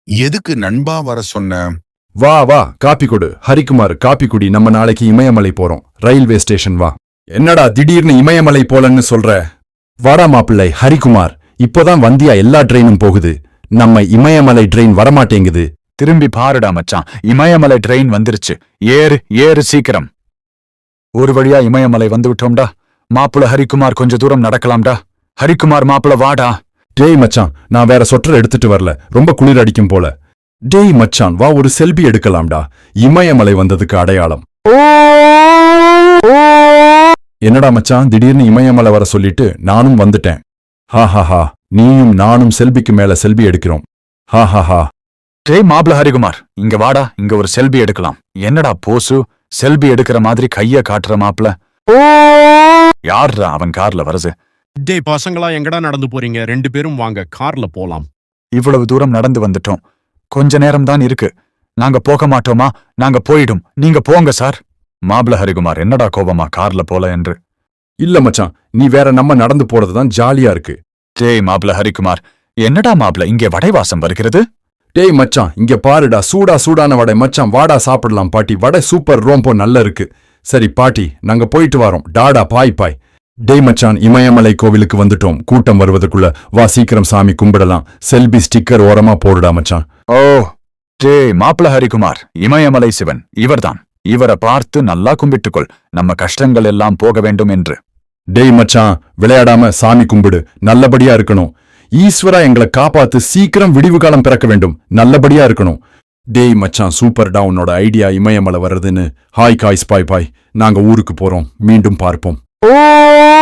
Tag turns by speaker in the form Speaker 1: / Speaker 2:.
Speaker 1: எதுக்கு நண்பா வர சொன்ன?
Speaker 2: வா வா காப்பி கொடு ஹரிக்குமார், காப்பி குடி. நம்ம நாளைக்கு இமயமலை போறோம். ரயில்வே ஸ்டேஷன் வா. என்னடா திடீர்னு இமயமலை போலன்னு சொல்ற? வாடா மாப்பிள்ளை ஹரிக்குமார், இப்போதான் வந்தியா எல்லா ட்ரெயினும் போகுது. நம்ம இமயமலை ட்ரெயின் வரமாட்டேங்குது.
Speaker 3: திரும்பி பாருடா மச்சான், இமயமலை ட்ரெயின் வந்துருச்சு. ஏறு ஏறு சீக்கிரம். ஒரு வழியா இமயமலை வந்து விட்டோம்டா. மாப்பிள ஹரிக்குமார் கொஞ்ச தூரம் நடக்கலாம்டா. ஹரிக்குமார் மாப்பிள வாடா.
Speaker 2: டேய் மச்சான், நான் வேற சொட்டர் எடுத்துட்டு வரல, ரொம்ப குளிர் அடிக்கும் போல. டேய் மச்சான் வா, ஒரு செல்பி எடுக்கலாம்டா. இமயமலை வந்ததுக்கு அடையாளம். என்னடா மச்சான் திடீர்னு இமயமலை வர சொல்லிட்டு நானும் வந்துட்டேன். ஹாஹாஹா, நீயும் நானும் செல்பிக்கு மேல செல்பி எடுக்கிறோம். ஹாஹாஹா.
Speaker 3: டேய் மாப்பிள ஹரிக்குமார், இங்க வாடா, இங்க ஒரு செல்பி எடுக்கலாம். என்னடா போசு, செல்பி எடுக்கிற மாதிரி கைய காட்டுற மாப்பிள? யார்ரா அவன் கார்ல வருது?
Speaker 4: டேய் பசங்களா, எங்கடா நடந்து போறீங்க? 2 பேரும் வாங்க, கார்ல போலாம்.
Speaker 3: இவ்வளவு தூரம் நடந்து வந்துட்டோம். கொஞ்ச நேரம் தான் இருக்கு. நாங்க போக மாட்டோமா? நாங்க போயிடும். நீங்க போங்க சார். மாப்பிள ஹரிகுமார், என்னடா கோபமா கார்ல போல என்று?
Speaker 2: இல்ல மச்சான், நீ வேற, நம்ம நடந்து போறதுதான் ஜாலியா இருக்கு.
Speaker 3: டேய் மாப்பிள ஹரிகுமார், என்னடா மாப்பிள இங்கே வடை வாசம் வருகிறது?
Speaker 2: டேய் மச்சான், இங்க பாருடா, சூடான வடை. மச்சான் வாடா சாப்பிடலாம். பாட்டி வடை சூப்பர், ரொம்ப நல்ல இருக்கு. சரி பாட்டி, நாங்க போயிட்டு வரோம். டாடா பாய் பாய். டேய் மச்சான், இமயமலை கோவிலுக்கு வந்துட்டோம். கூட்டம் வருவதற்குள்ள வா, சீக்கிரம் சாமி கும்பிடலாம். செல்பி ஸ்டிக்கர் ஓரமா போடுடா மச்சான்.
Speaker 3: ஓ டேய் மாப்பிள ஹரிகுமார், இமயமலை சிவன் இவர்தான். இவரை பார்த்து நல்லா கும்பிட்டுக்கொள், நம்ம கஷ்டங்கள் எல்லாம் போக வேண்டும் என்று.
Speaker 2: டேய் மச்சான், விளையாடாம சாமி கும்பிடு, நல்லபடியா இருக்கணும். ஈஸ்வரா எங்களை காப்பாத்து, சீக்கிரம் விடிவு காலம் பிறக்க வேண்டும், நல்லபடியா இருக்கணும். டேய் மச்சான், சூப்பர்டா உன்னோட ஐடியா, இமயமலை வர்றதுன்னு. ஹாய் காய்ஸ், பாய் பாய். நாங்க ஊருக்கு போறோம், மீண்டும் பார்ப்போம்.